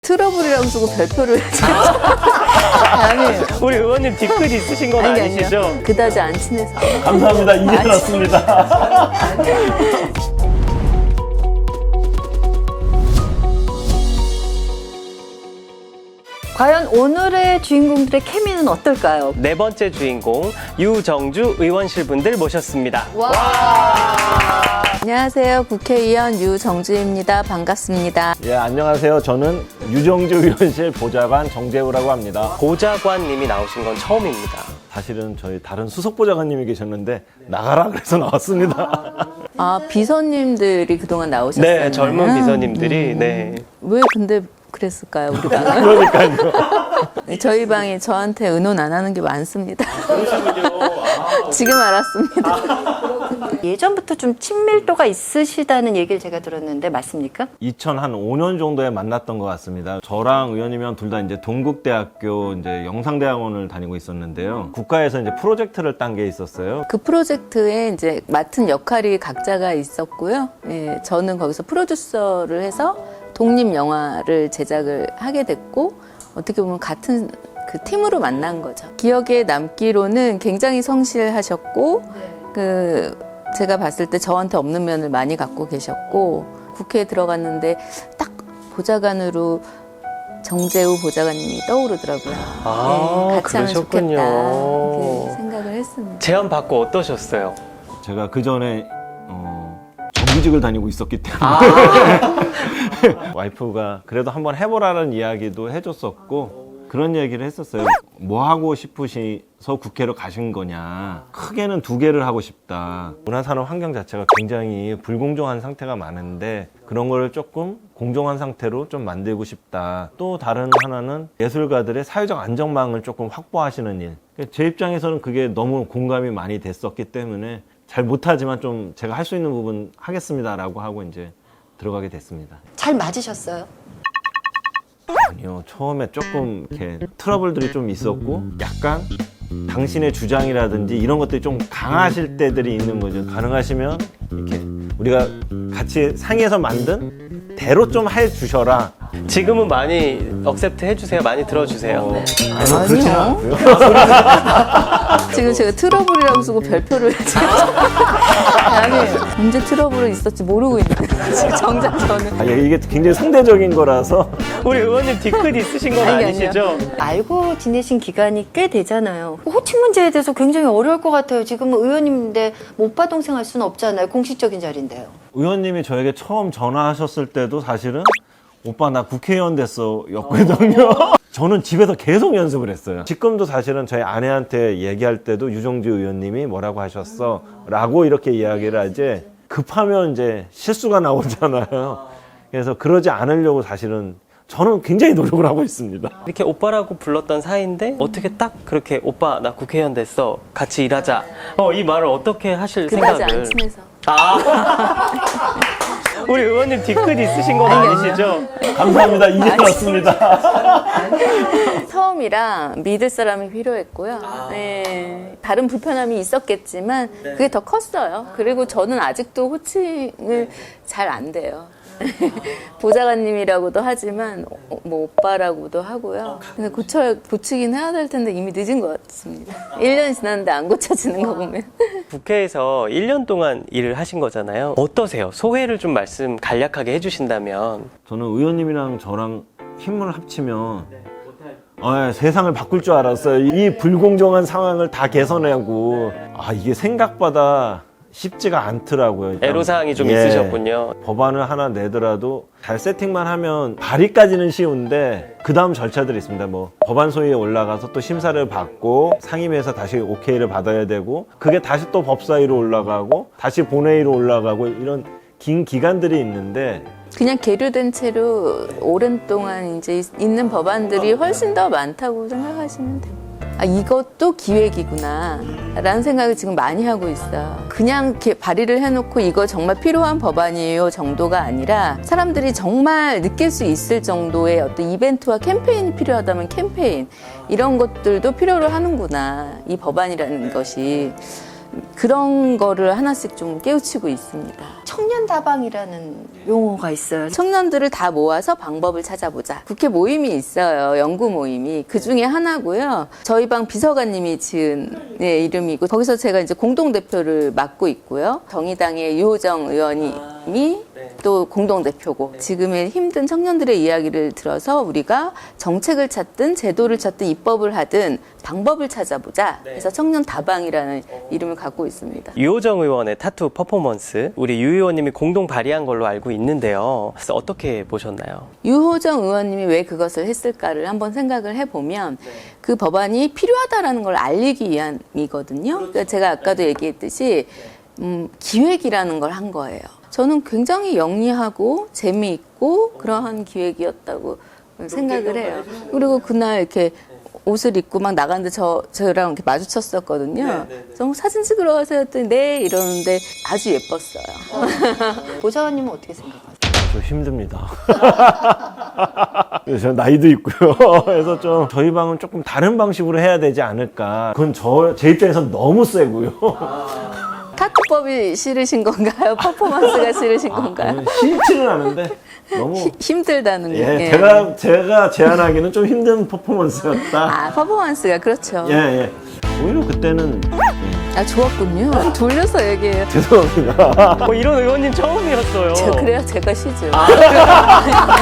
트러블이라고 쓰고 별표를 아니, 우리 의원님 뒤끝 있으신 건 아니시죠? 그다지 안 친해서. 감사합니다. 이제 알았습니다. 과연 오늘의 주인공들의 케미는 어떨까요? 네 번째 주인공 유정주 의원실 분들 모셨습니다. 안녕하세요. 국회의원 유정주입니다. 반갑습니다. 예, 안녕하세요. 저는 유정주 의원실 보좌관 정재우라고 합니다. 보좌관님이 나오신 건 처음입니다. 사실은 저희 다른 수석 보좌관님이 계셨는데 나가라 그래서 나왔습니다. 아, 비서님들이 그동안 나오셨어요? 네, 젊은 비서님들이 네. 왜 근데 그랬을까요, 우리 방은? 그러니까요. 저희 방이 저한테 의논 안 하는 게 많습니다. 지금 알았습니다. 예전부터 좀 친밀도가 있으시다는 얘기를 제가 들었는데 맞습니까? 2005년 정도에 만났던 것 같습니다. 저랑 의원님이랑 둘 다 이제 동국대학교 이제 영상대학원을 다니고 있었는데요. 국가에서 이제 프로젝트를 딴 게 있었어요. 그 프로젝트에 이제 맡은 역할이 각자가 있었고요. 예, 저는 거기서 프로듀서를 해서 독립 영화를 제작을 하게 됐고, 어떻게 보면 같은 그 팀으로 만난 거죠. 기억에 남기로는 굉장히 성실하셨고, 제가 봤을 때 저한테 없는 면을 많이 갖고 계셨고, 국회에 들어갔는데 딱 보좌관으로 정재우 보좌관님이 떠오르더라고요. 네, 같이 하면 그러셨군요. 좋겠다 이렇게 생각을 했습니다. 제안 받고 어떠셨어요? 제가 그 전에 정규직을 다니고 있었기 때문에 와이프가 그래도 한번 해보라는 이야기도 해줬었고 그런 얘기를 했었어요. 뭐 하고 싶으셔서 국회로 가신 거냐. 크게는 두 개를 하고 싶다. 문화산업 환경 자체가 굉장히 불공정한 상태가 많은데 그런 거를 조금 공정한 상태로 좀 만들고 싶다. 또 다른 하나는 예술가들의 사회적 안전망을 조금 확보하시는 일. 제 입장에서는 그게 너무 공감이 많이 됐었기 때문에 잘 못하지만 좀 제가 할 수 있는 부분 하겠습니다라고 하고 이제 들어가게 됐습니다. 잘 맞으셨어요? 아니요, 처음에 조금 이렇게 트러블들이 좀 있었고 약간 당신의 주장이라든지 이런 것들이 좀 강하실 때들이 있는 거죠. 가능하시면 이렇게 우리가 같이 상의해서 만든 대로 좀 해주셔라. 지금은 많이 억셉트 해주세요. 많이 들어주세요. 아니요, 그렇지는 않고요. 지금 제가 트러블이라고 쓰고 별표를 아니, 언제 트러블이 있었지 모르고 있는데 지금 정작 저는 이게 굉장히 상대적인 거라서 우리 의원님 뒤끝 있으신 건 아니, 아니시죠? 알고 지내신 기간이 꽤 되잖아요. 호칭 문제에 대해서 굉장히 어려울 것 같아요. 지금은 의원님인데 오빠 동생 할 수는 없잖아요. 공식적인 자리인데요. 의원님이 저에게 처음 전화하셨을 때도 사실은 오빠 나 국회의원 됐어 였거든요. 저는 집에서 계속 연습을 했어요. 지금도 사실은 저희 아내한테 얘기할 때도 유정주 의원님이 뭐라고 하셨어 라고 이렇게 이야기를 하지 급하면 이제 실수가 나오잖아요. 그래서 그러지 않으려고 사실은 저는 굉장히 노력을 하고 있습니다. 이렇게 오빠라고 불렀던 사이인데 어떻게 딱 그렇게 오빠 나 국회의원 됐어 같이 일하자 이 말을 어떻게 하실 그다지 생각을 안 친해서. 우리 의원님 뒤끝 있으신 건 아니시죠? 감사합니다. 이제 알았습니다. 처음이라 믿을 사람이 필요했고요. 네, 다른 불편함이 있었겠지만 그게 더 컸어요. 그리고 저는 아직도 호칭을 잘 안 돼요. 보좌관님이라고도 하지만 뭐 오빠라고도 하고요. 근데 고치긴 해야 될 텐데 이미 늦은 것 같습니다. 1년이 지났는데 안 고쳐지는 거 보면. 국회에서 1년 동안 일을 하신 거잖아요. 어떠세요? 소회를 좀 말씀 간략하게 해주신다면. 저는 의원님이랑 저랑 힘을 합치면 세상을 바꿀 줄 알았어요. 이 불공정한 상황을 다 개선하고 이게 생각보다 쉽지가 않더라고요. 애로사항이 좀 예. 있으셨군요. 법안을 하나 내더라도 잘 세팅만 하면 발의까지는 쉬운데 그 다음 절차들이 있습니다. 뭐 법안 소위에 올라가서 또 심사를 받고 상임위에서 다시 오케이를 받아야 되고 그게 다시 또 법사위로 올라가고 다시 본회의로 올라가고 이런 긴 기간들이 있는데 그냥 계류된 채로 오랜 동안 이제 있는 법안들이 훨씬 더 많다고 생각하시면 돼요. 이것도 기획이구나 라는 생각을 지금 많이 하고 있어요. 그냥 이렇게 발의를 해놓고 이거 정말 필요한 법안이에요 정도가 아니라 사람들이 정말 느낄 수 있을 정도의 어떤 이벤트와 캠페인이 필요하다면 캠페인 이런 것들도 필요로 하는구나 이 법안이라는 것이. 그런 거를 하나씩 좀 깨우치고 있습니다. 청년 다방이라는 용어가 있어요. 청년들을 다 모아서 방법을 찾아보자. 국회 모임이 있어요. 연구 모임이. 그 중에 하나고요. 저희 방 비서관님이 지은 이름이고 거기서 제가 이제 공동대표를 맡고 있고요. 정의당의 유호정 의원님이 또 공동대표고 지금의 힘든 청년들의 이야기를 들어서 우리가 정책을 찾든 제도를 찾든 입법을 하든 방법을 찾아보자. 그래서 청년 다방이라는 이름을 갖고 있습니다. 유호정 의원의 타투 퍼포먼스 우리 유 의원님이 공동 발의한 걸로 알고 있는데요. 그래서 어떻게 보셨나요? 유호정 의원님이 왜 그것을 했을까를 한번 생각을 해보면 그 법안이 필요하다라는 걸 알리기 위함이거든요. 그러니까 제가 아까도 얘기했듯이 기획이라는 걸 한 거예요. 저는 굉장히 영리하고 재미있고 그러한 기획이었다고 생각을 해요. 그리고 그날 이렇게 옷을 입고 막 나갔는데 저랑 이렇게 마주쳤었거든요. 그래서 사진 찍으러 가세요 했더니 네 이러는데 아주 예뻤어요. 보좌관님은 어떻게 생각하세요? 좀 힘듭니다. 저 나이도 있고요. 그래서 좀 저희 방은 조금 다른 방식으로 해야 되지 않을까. 그건 제 입장에서 너무 세고요. 타투법이 싫으신 건가요? 퍼포먼스가 싫으신 건가요? 싫지는 않은데 너무 힘들다는 게. 예, 제가 제안하기는 좀 힘든 퍼포먼스였다. 아, 퍼포먼스가 그렇죠. 예. 오히려 그때는 아, 좋았군요. 돌려서 얘기해요. 죄송합니다. 이런 의원님 처음이었어요. 그래야 제가 쉬죠.